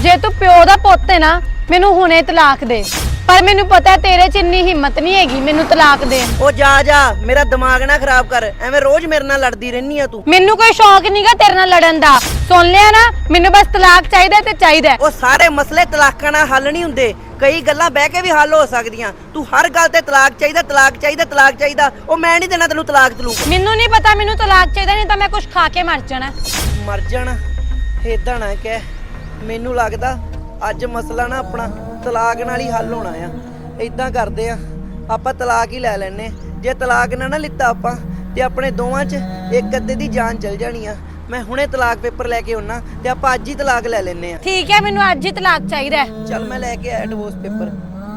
ਜੇ ਤੂੰ ਪਿਓ ਦਾ ਪੁੱਤ ਹੈ ਨਾ ਮੈਨੂੰ ਹੁਣੇ ਤਲਾਕ ਦੇ। ਪਰ ਮੈਨੂੰ ਪਤਾ ਤੇਰੇ ਚ ਇੰਨੀ ਹਿੰਮਤ ਨਹੀਂ ਹੈਗੀ ਮੈਨੂੰ ਤਲਾਕ ਦੇਣ। ਉਹ ਜਾ ਮੇਰਾ ਦਿਮਾਗ ਨਾ ਖਰਾਬ ਕਰ, ਐਵੇਂ ਰੋਜ਼ ਮੇਰੇ ਨਾਲ ਲੜਦੀ ਰਹਿਨੀ ਆ ਤੂੰ। ਮੈਨੂੰ ਕੋਈ ਸ਼ੌਕ ਨਹੀਂਗਾ ਤੇਰੇ ਨਾਲ ਲੜਨ ਦਾ, ਸੁਣ ਲਿਆ ਨਾ। ਮੈਨੂੰ ਬਸ ਤਲਾਕ ਚਾਹੀਦਾ ਤੇ ਚਾਹੀਦਾ। ਉਹ ਸਾਰੇ ਮਸਲੇ ਤਲਾਕਾਂ ਨਾਲ ਹੱਲ ਨਹੀਂ ਹੁੰਦੇ, ਕਈ ਗੱਲਾਂ ਬਹਿ ਕੇ ਵੀ ਹੱਲ ਹੋ ਸਕਦੀਆਂ। ਤੂੰ ਹਰ ਗੱਲ ਤੇ ਤਲਾਕ ਚਾਹੀਦਾ ਤਲਾਕ ਚਾਹੀਦਾ ਤਲਾਕ ਚਾਹੀਦਾ। ਉਹ ਮੈਂ ਨਹੀਂ ਦੇਣਾ ਤੈਨੂੰ ਤਲਾਕ ਤਲੂਕ। ਮੈਨੂੰ ਨਹੀਂ ਪਤਾ ਮੈਨੂੰ ਤਲਾਕ ਚਾਹੀਦਾ, ਨਹੀਂ ਤਾਂ ਮੈਂ ਕੁਝ ਖਾ ਕੇ ਮਰ ਜਾਣਾ। ਮਰ ਜਾਣਾ ਏਦਾਂ ਨਾ ਕਹਿ, ਮੈਨੂੰ ਲੱਗਦਾ ਅੱਜ ਮਸਲਾ ਨਾ ਆਪਣਾ ਤਲਾਕ ਨਾਲ ਹੀ ਹੱਲ ਹੋਣਾ ਆ। ਏਦਾਂ ਕਰਦੇ ਆ ਆਪਾਂ ਤਲਾਕ ਹੀ ਲੈ ਲੈਨੇ। ਜੇ ਤਲਾਕ ਨਾ ਲਿੱਤਾ ਆਪਾਂ ਤੇ ਆਪਣੇ ਦੋਵਾਂ 'ਚ ਇੱਕ ਅੱਧੇ ਦੀ ਜਾਨ ਚਲ ਜਾਣੀ ਆ। ਮੈਂ ਹੁਣੇ ਤਲਾਕ ਪੇਪਰ ਲੈ ਕੇ ਆਉਣਾ ਤੇ ਆਪਾਂ ਅੱਜ ਹੀ ਤਲਾਕ ਲੈ ਲੈਨੇ ਆ। ਠੀਕ ਹੈ, ਮੈਨੂੰ ਅੱਜ ਹੀ ਤਲਾਕ ਚਾਹੀਦਾ। ਚੱਲ ਮੈਂ ਲੈ ਕੇ ਆਇਆ ਡਿਵੋਰਸ ਪੇਪਰ।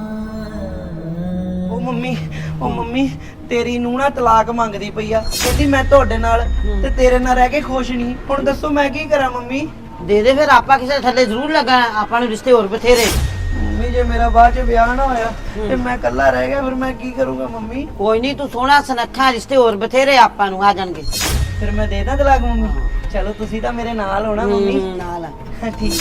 ਉਹ ਮੰਮੀ ਤੇਰੀ ਨੂੰਹ ਨਾ ਤਲਾਕ ਮੰਗਦੀ ਪਈ ਆ, ਕਹਿੰਦੀ ਮੈਂ ਤੁਹਾਡੇ ਨਾਲ ਤੇ ਤੇਰੇ ਨਾਲ ਰਹਿ ਕੇ ਖੁਸ਼ ਨਹੀਂ। ਹੁਣ ਦੱਸੋ ਮੈਂ ਕੀ ਕਰਾਂ ਮੰਮੀ? ਦੇ ਦੇ ਫਿਰ, ਆਪਾਂ ਕਿਸੇ ਥੱਲੇ ਜ਼ਰੂਰ ਲੱਗਾ, ਆਪਾਂ ਨੂੰ ਰਿਸ਼ਤੇ ਹੋਰ ਬਥੇਰੇ। ਮੰਮੀ ਜੇ ਮੇਰਾ ਬਾਅਦ ਚ ਵਿਆਹ ਨਾ ਹੋਇਆ ਤੇ ਮੈਂ ਇਕੱਲਾ ਰਹਿ ਗਿਆ, ਫਿਰ ਮੈਂ ਕੀ ਕਰੂੰਗਾ ਮੰਮੀ? ਕੋਈ ਨਹੀਂ, ਤੂੰ ਸੋਹਣਾ ਸੁਨੱਖਾ, ਰਿਸ਼ਤੇ ਹੋਰ ਬਥੇਰੇ ਆਪਾਂ ਨੂੰ ਆ ਜਾਣਗੇ। ਫਿਰ ਮੈਂ ਦੇ ਦਾਂ ਤਲਾਕ ਮੰਮੀ? ਚਲੋ ਤੁਸੀਂ ਤਾਂ ਮੇਰੇ ਨਾਲ ਹੋਣਾ ਮੰਮੀ। ਨਾਲ ਠੀਕ।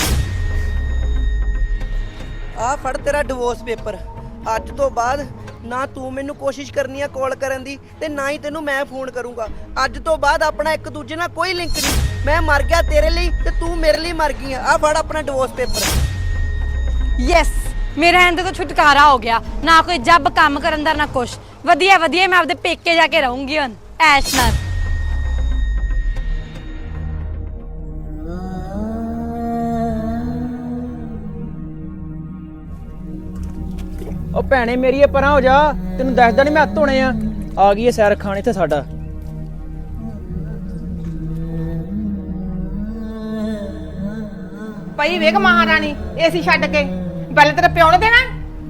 ਆ ਫੜ ਤੇਰਾ ਡਿਵੋਰਸ ਪੇਪਰ। ਅੱਜ ਤੋਂ ਬਾਅਦ ਨਾ ਤੂੰ ਮੈਨੂੰ ਕੋਸ਼ਿਸ਼ ਕਰਨੀ ਆ ਕਾਲ ਕਰਨ ਦੀ ਤੇ ਨਾ ਹੀ ਤੈਨੂੰ ਮੈਂ ਫੋਨ ਕਰੂੰਗਾ। ਅੱਜ ਤੋਂ ਬਾਅਦ ਆਪਣਾ ਇੱਕ ਦੂਜੇ ਨਾਲ ਕੋਈ ਲਿੰਕ ਨਹੀਂ। ਮੈਂ ਮਰ ਗਿਆ ਤੇਰੇ ਲਈ ਤੇ ਤੂੰ ਮੇਰੇ ਲਈ ਮਰ ਗਈ ਆ ਫੜ ਆਪਣਾ ਡਿਵੋਰਸ ਪੇਪਰ। ਯੈਸ, ਮੇਰੇ ਹੈਂਡ ਤੋਂ ਛੁਟਕਾਰਾ ਹੋ ਗਿਆ। ਨਾ ਕੋਈ ਜੱਬ ਕੰਮ ਕਰਨ ਦਾ ਨਾ ਕੁਛ। ਵਧੀਆ ਮੈਂ ਆਪਦੇ ਪੇਕੇ ਜਾ ਕੇ ਰਹੂੰਗੀ ਹੁਣ ਐਸ਼ ਨਾਲ। ਉਹ ਭੈਣੇ ਮੇਰੀ ਇਹ ਪਰਾਂ ਹੋ ਜਾ, ਤੈਨੂੰ ਦੱਸਦਾ ਨਹੀਂ ਮੈਂ ਹੱਥ ਧੋਣੇ ਆ ਗਈ ਇਹ ਸੈਰ ਖਾਣੇ ਤੇ ਸਾਡਾ। ਪਈ ਵੇਖ ਮਹਾਰਾਣੀ ਏਸੀ ਛੱਡ ਕੇ ਪਹਿਲੇ ਤੇਰੇ ਪਿਓ ਨੇ ਦੇਣਾ।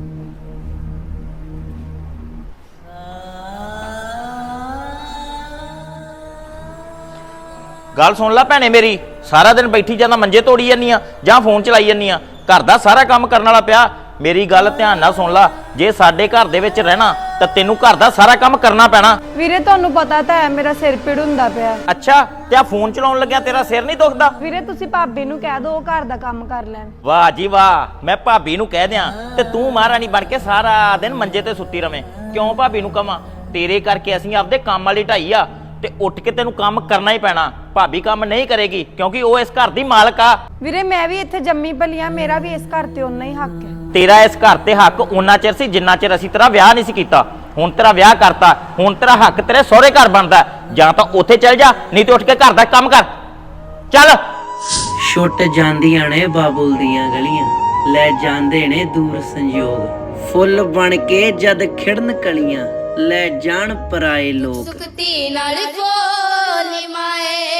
ਗੱਲ ਸੁਣ ਲੈ ਭੈਣੇ ਮੇਰੀ, ਸਾਰਾ ਦਿਨ ਬੈਠੀ ਜਾਂਦਾ ਮੰਜੇ ਤੋੜੀ ਜਾਂਦੀ ਆ ਜਾਂ ਫੋਨ ਚਲਾਈ ਜਾਂਦੀ ਆ। ਘਰ ਦਾ ਸਾਰਾ ਕੰਮ ਕਰਨ ਵਾਲਾ ਪਿਆ। ਮੇਰੀ ਗੱਲ ਧਿਆਨ ਨਾਲ ਸੁਣ ਲੈ, ਜੇ ਸਾਡੇ ਘਰ ਦੇ ਵਿੱਚ ਰਹਿਣਾ ਤਾਂ ਤੈਨੂੰ ਘਰ ਦਾ ਸਾਰਾ ਕੰਮ ਕਰਨਾ ਪੈਣਾ। ਵੀਰੇ ਤੁਹਾਨੂੰ ਪਤਾ ਤਾਂ ਹੈ ਮੇਰਾ ਸਿਰ ਪੀੜ ਹੁੰਦਾ ਪਿਆ। ਅੱਛਾ, ਤੇ ਆ ਫੋਨ ਚਲਾਉਣ ਲੱਗਿਆ ਤੇਰਾ ਸਿਰ ਨਹੀਂ ਦੁਖਦਾ? ਵੀਰੇ ਤੁਸੀਂ ਭਾਬੀ ਨੂੰ ਕਹਿ ਦਿਓ ਉਹ ਘਰ ਦਾ ਕੰਮ ਕਰ ਲੈਣ। ਵਾਹ ਜੀ ਵਾਹ, ਮੈਂ ਭਾਬੀ ਨੂੰ ਕਹਿ ਦਿਆਂ ਤੇ ਤੂੰ ਮਹਾਰਾਣੀ ਬਣ ਕੇ ਸਾਰਾ ਦਿਨ ਮੰਜੇ ਤੇ ਸੁੱਤੀ ਰਵੇਂ। ਕਿਉਂ ਭਾਬੀ ਨੂੰ ਕਵਾਂ? ਤੇਰੇ ਕਰਕੇ ਅਸੀਂ ਆਪਦੇ ਕੰਮ ਵਾਲੀ ਢਾਈ ਆ ਤੇ ਉੱਠ ਕੇ ਤੈਨੂੰ ਕੰਮ ਕਰਨਾ ਹੀ ਪੈਣਾ। ਭਾਬੀ ਕੰਮ ਨਹੀਂ ਕਰੇਗੀ ਕਿਉਂਕਿ ਉਹ ਇਸ ਘਰ ਦੀ ਮਾਲਕ ਆ। ਵੀਰੇ ਮੈਂ ਵੀ ਇੱਥੇ ਜੰਮੀ ਪਲੀਆਂ, ਮੇਰਾ ਵੀ ਇਸ ਘਰ ਤੇ ਉਨਾ ਹੀ ਹੱਕ ਹੈ। ਤੇਰਾ ਇਸ ਘਰ ਤੇ ਹੱਕ ਉਨਾ ਚਿਰ ਸੀ ਜਿੰਨਾ ਚਿਰ ਅਸੀਂ ਤੇਰਾ ਵਿਆਹ ਨਹੀਂ ਸੀ ਕੀਤਾ। ਹੁਣ ਤੇਰਾ ਵਿਆਹ ਕਰਤਾ, ਹੁਣ ਤੇਰਾ ਹੱਕ ਤੇਰੇ ਸਹੁਰੇ ਘਰ ਬਣਦਾ। ਜਾਂ ਤਾਂ ਉੱਥੇ ਚੱਲ ਜਾ, ਨਹੀਂ ਤੇ ਉੱਠ ਕੇ ਘਰ ਦਾ ਕੰਮ ਕਰ। ਚੱਲ। ਛੁੱਟ ਜਾਂਦੀਆਂ ਨੇ ਬਾਬੁਲ ਦੀਆਂ ਗਲੀਆਂ, ਲੈ ਜਾਂਦੇ ਨੇ ਦੂਰ ਸੰਯੋਗ। ਫੁੱਲ ਬਣ ਕੇ ਜਦ ਖਿੜਨ ਕਲੀਆਂ, ਲੈ ਜਾਣ ਪਰਾਏ ਲੋਕ। ਸੁਖਤੀ ਨਾਲ ਬੋਲੀ ਮਾਏ